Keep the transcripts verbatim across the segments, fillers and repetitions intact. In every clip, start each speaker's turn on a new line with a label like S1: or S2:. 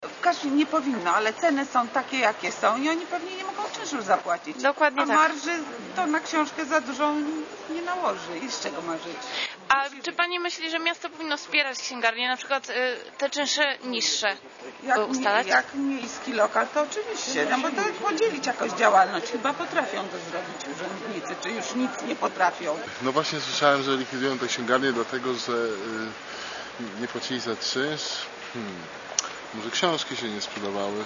S1: W każdym nie powinno, ale ceny są takie, jakie są i oni pewnie nie mogą czynszu zapłacić.
S2: Dokładnie
S1: A
S2: tak.
S1: marży to na książkę za dużą nie nałoży. I z czego ma żyć?
S2: A czy pani myśli, że miasto powinno wspierać księgarnie, na przykład y, te czynsze niższe
S1: Jak,
S2: ustalać?
S1: jak miejski lokal, to oczywiście, no bo to podzielić jakoś działalność. Chyba potrafią to zrobić urzędnicy, czy już nic nie potrafią.
S3: No właśnie słyszałem, że likwidują te księgarnie dlatego, że y, nie płacili za czynsz. Hmm. Może książki się nie sprzedawały.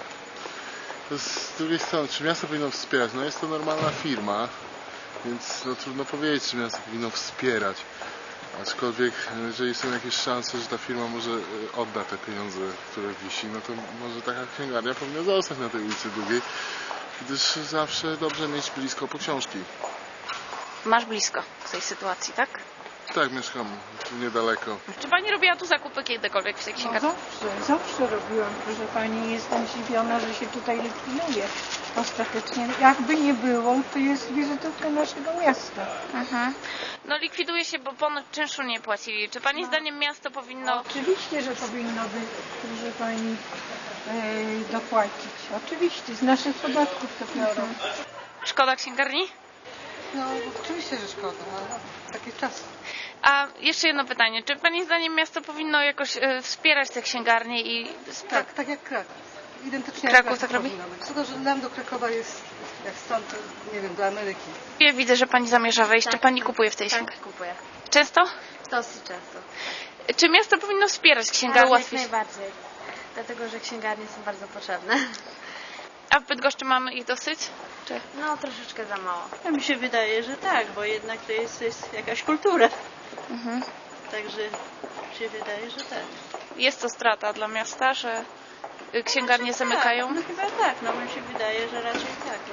S3: To z drugiej strony, czy miasto powinno wspierać? No jest to normalna firma, więc no, trudno powiedzieć, czy miasto powinno wspierać. Aczkolwiek, jeżeli są jakieś szanse, że ta firma może odda te pieniądze, które wisi, no to może taka księgarnia powinna zostać na tej ulicy Długiej, gdyż zawsze dobrze mieć blisko po książki.
S2: Masz blisko w tej sytuacji, tak?
S3: Tak, mieszkam tu niedaleko.
S2: Czy pani robiła tu zakupy kiedykolwiek w tej
S4: No
S2: księgarni?
S4: zawsze, zawsze robiłam, proszę pani. Jestem zdziwiona, że się tutaj likwiduje. Ostatecznie, jakby nie było, to jest wizytówka naszego miasta.
S2: Mhm. No likwiduje się, bo ponoć czynszu nie płacili. Czy pani zdaniem miasto powinno...
S4: Oczywiście, że powinno by, proszę pani, e, dopłacić. Oczywiście, z naszych podatków to biorą.
S2: Szkoda księgarni?
S5: No, oczywiście, że szkoda, ale takie czasy.
S2: A jeszcze jedno pytanie. Czy pani zdaniem miasto powinno jakoś y, wspierać te księgarnie i... spra-
S5: Tak, tak jak Kraków. Identycznie
S2: Kraków
S5: jak
S2: tak robi?
S5: powinno być. Tylko, że nam do Krakowa jest, jak stąd, nie wiem, do Ameryki.
S2: Ja widzę, że pani zamierza wejść. Czy pani kupuje w tej księgarni?
S6: Tak, kupuję.
S2: Często?
S6: Dosyć często.
S2: Czy miasto powinno wspierać
S6: Tak,
S2: księgarnie?
S6: jak
S2: Ułatwić?
S6: najbardziej. Dlatego, że księgarnie są bardzo potrzebne.
S2: A w Bydgoszczy mamy ich dosyć? Czy...
S6: No, troszeczkę za mało.
S7: No, mi się wydaje, że tak, bo jednak to jest, jest jakaś kultura.
S2: Mhm.
S7: Także się wydaje, że tak.
S2: Jest to strata dla miasta, że y, księgarnie zamykają?
S7: Tak, no chyba tak, no mi się wydaje, że raczej tak.